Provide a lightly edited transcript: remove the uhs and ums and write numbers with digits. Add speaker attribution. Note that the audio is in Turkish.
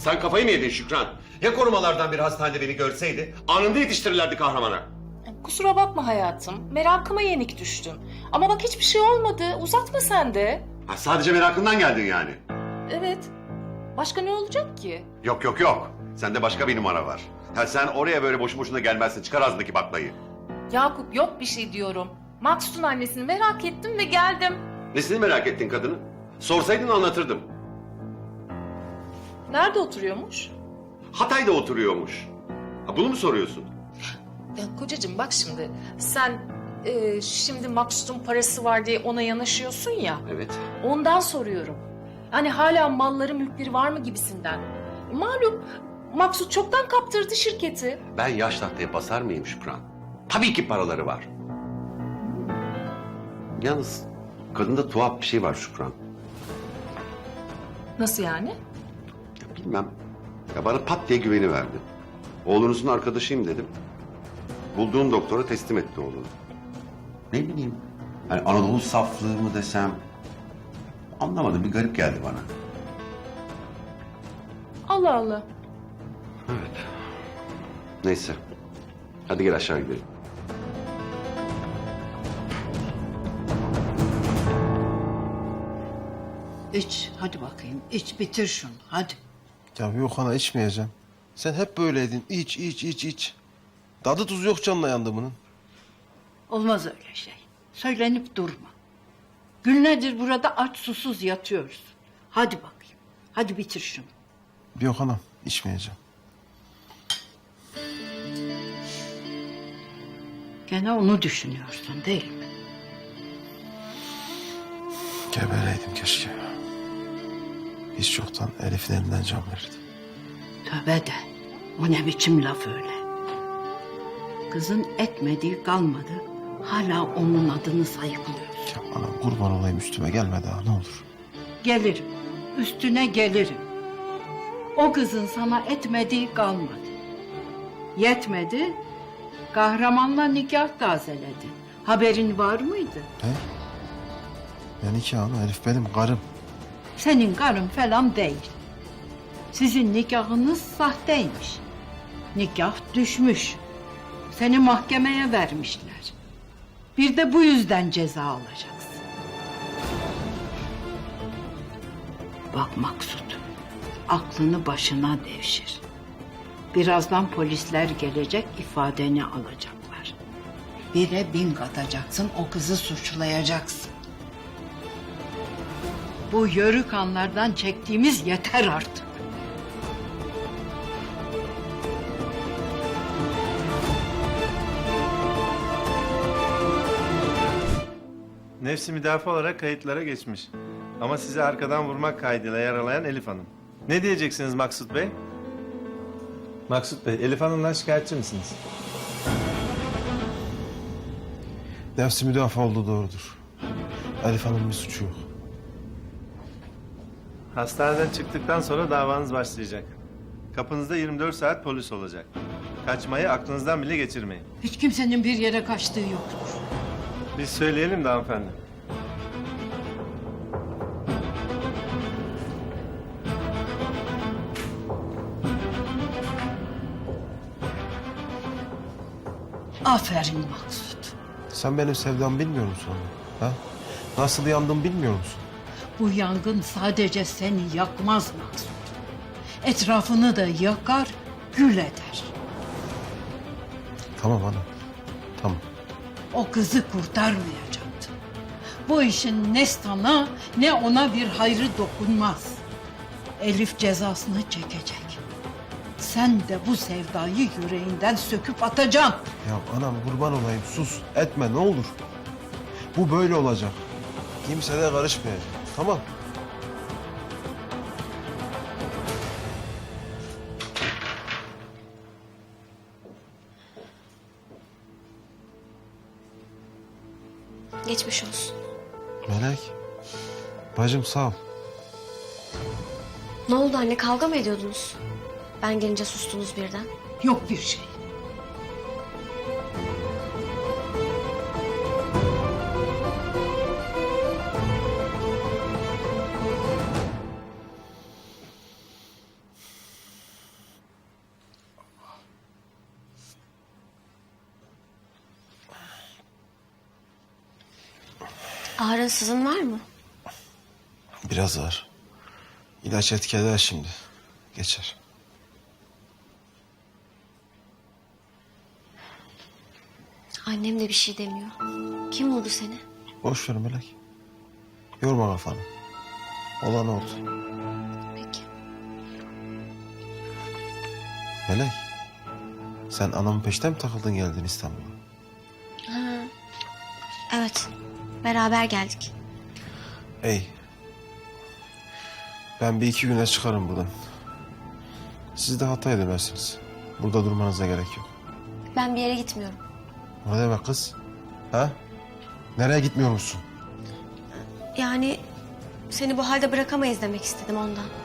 Speaker 1: Sen kafayı mı yedin Şükran? Ya korumalardan bir hastanede beni görseydi anında yetiştirirlerdi kahramana.
Speaker 2: Kusura bakma hayatım. Merakıma yenik düştün. Ama bak hiçbir şey olmadı. Uzatma sen de.
Speaker 1: Ha, sadece merakından geldin yani.
Speaker 2: Evet. Başka ne olacak ki?
Speaker 1: Yok yok yok. Sende başka bir numara var. Ha, sen oraya böyle boşu boşuna gelmezsin. Çıkar ağzındaki baklayı.
Speaker 2: Yakup yok bir şey diyorum. Maksut'un annesini merak ettim ve geldim.
Speaker 1: Nesini merak ettin kadını? Sorsaydın anlatırdım.
Speaker 2: Nerede oturuyormuş?
Speaker 1: Hatay'da oturuyormuş. Ha, bunu mu soruyorsun?
Speaker 2: Ya kocacığım bak şimdi. Sen şimdi Maksut'un parası var diye ona yanaşıyorsun ya.
Speaker 1: Evet.
Speaker 2: Ondan soruyorum. Hani hala malları mülkleri var mı gibisinden. Malum Maksut çoktan kaptırdı şirketi.
Speaker 1: Ben yaş tahtaya basar mıyım Şükran? Tabii ki paraları var. Yalnız kadında tuhaf bir şey var Şükran.
Speaker 2: Nasıl yani?
Speaker 1: Ya bilmem. Ya bana pat diye güveni verdi. Oğlunuzun arkadaşıyım dedim. Bulduğum doktora teslim etti oğlunu. Ne bileyim. Hani Anadolu saflığı mı desem. Anlamadım, bir garip geldi bana.
Speaker 2: Allah Allah.
Speaker 1: Evet. Neyse. Hadi gel aşağı gidelim.
Speaker 3: İç, hadi bakayım. İç, bitir şunu, hadi.
Speaker 4: Ya yok ana içmeyeceğim. Sen hep böyleydin. İç, iç, iç, iç. Tadı tuzu yok canına yandı bunun.
Speaker 3: Olmaz öyle şey. Söylenip durma. Günlerdir burada aç susuz yatıyoruz. Hadi bakayım, hadi bitir şunu.
Speaker 4: Yok anam içmeyeceğim.
Speaker 3: Gene onu düşünüyorsun değil mi?
Speaker 4: Gebereydim keşke. Hiç çoktan Elif'in elinden can verirdi.
Speaker 3: Tövbe de, o ne biçim laf öyle? Kızın etmediği kalmadı. Hala onun adını sayıklıyorsun.
Speaker 4: Ya anam kurban olayım üstüme gelme daha ne olur.
Speaker 3: Gelirim, üstüne gelirim. O kızın sana etmediği kalmadı. Yetmedi, kahramanla nikah tazeledin. Haberin var mıydı?
Speaker 4: He? Ya nikah ana Elif benim karım.
Speaker 3: Senin karın falan değil. Sizin nikahınız sahteymiş. Nikah düşmüş. Seni mahkemeye vermişler. Bir de bu yüzden ceza alacaksın. Bak Maksut, aklını başına devşir. Birazdan polisler gelecek, ifadeni alacaklar. 1'e 1000 katacaksın, o kızı suçlayacaksın. Bu yörük anlardan çektiğimiz yeter artık.
Speaker 5: Nefsi müdafaa olarak kayıtlara geçmiş. Ama sizi arkadan vurmak kaydıyla yaralayan Elif Hanım. Ne diyeceksiniz Maksut Bey? Maksut Bey, Elif Hanım'dan şikayetçi misiniz?
Speaker 4: Nefsi müdafaa olduğu doğrudur. Elif Hanım'ın bir suçu yok.
Speaker 5: Hastaneden çıktıktan sonra davanız başlayacak. Kapınızda 24 saat polis olacak. Kaçmayı aklınızdan bile geçirmeyin.
Speaker 3: Hiç kimsenin bir yere kaçtığı yoktur.
Speaker 5: Biz söyleyelim de hanımefendi.
Speaker 3: Aferin Maksut.
Speaker 4: Sen benim sevdamı bilmiyor musun anne? Ha? Nasıl yandım bilmiyor musun?
Speaker 3: Bu yangın sadece seni yakmaz Maksut. Etrafını da yakar, gül eder.
Speaker 4: Tamam ana. Tamam.
Speaker 3: O kızı kurtarmayacaktı. Bu işin ne sana ne ona bir hayrı dokunmaz. Elif cezasını çekecek. Sen de bu sevdayı yüreğinden söküp atacaksın.
Speaker 4: Ya anam kurban olayım sus etme ne olur. Bu böyle olacak. Kimse de karışmayacak. Tamam.
Speaker 6: Geçmiş olsun.
Speaker 4: Melek. Bacım sağ ol.
Speaker 6: Ne oldu anne, kavga mı ediyordunuz? Ben gelince sustunuz birden.
Speaker 3: Yok bir şey.
Speaker 6: Ağrın sızın var mı?
Speaker 4: Biraz ağır. İlaç etki eder şimdi. Geçer.
Speaker 6: Annem de bir şey demiyor. Kim vurdu seni?
Speaker 4: Boş ver Melek. Yorma kafanı. Olan oldu.
Speaker 6: Peki.
Speaker 4: Melek. Sen anamın peşten mi takıldın geldin İstanbul'a?
Speaker 6: Ha. Evet. Beraber geldik.
Speaker 4: Ey. Ben bir iki güne çıkarım buradan. Siz de Hatay'a dönersiniz. Burada durmanıza gerek yok.
Speaker 6: Ben bir yere gitmiyorum.
Speaker 4: O ne demek kız? Ha? Nereye gitmiyor musun?
Speaker 6: Yani seni bu halde bırakamayız demek istedim ondan.